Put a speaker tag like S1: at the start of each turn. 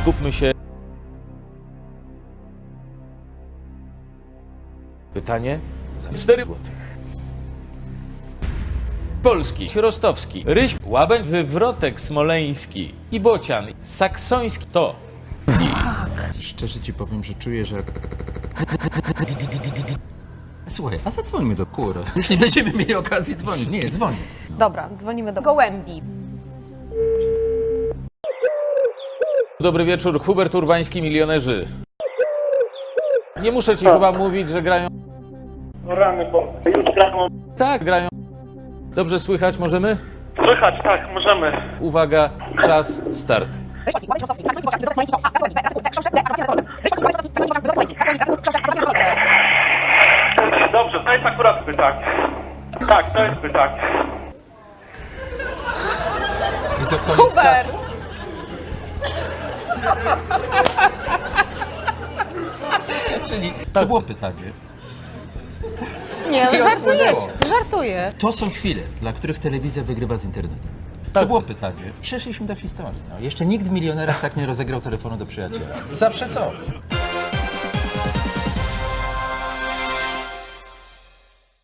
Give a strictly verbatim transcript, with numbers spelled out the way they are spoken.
S1: skupmy się. Pytanie za cztery złote. Polski, Rostowski, Ryś, Łabędź, Wywrotek Smoleński i Bocian, Saksoński to.
S2: Szczerze ci powiem, że czuję, że... Słuchaj, a zadzwońmy do Kura. Już nie będziemy mieli okazji dzwonić. Nie, dzwoń.
S3: Dobra, dzwonimy do gołębi.
S1: Dobry wieczór, Hubert Urbański, Milionerzy. Nie muszę ci chyba mówić, że grają...
S4: No rany, bo już grają.
S1: Tak, grają. Dobrze słychać, możemy?
S4: Słychać, tak, możemy.
S1: Uwaga, czas, start.
S4: Dobrze, to jest akurat pytak. Tak, to jest pytak.
S2: I to koniec
S3: Hubert!
S2: czasu? Czyli to było pytanie.
S3: Nie,
S2: I
S3: no żartujecie,
S2: odpłynęło.
S3: żartuję.
S2: To są chwile, dla których telewizja wygrywa z internetem. To
S1: Tak.
S2: było pytanie. Przeszliśmy do historii. No, jeszcze nikt w Milionerach tak nie rozegrał telefonu do przyjaciela. Zawsze coś.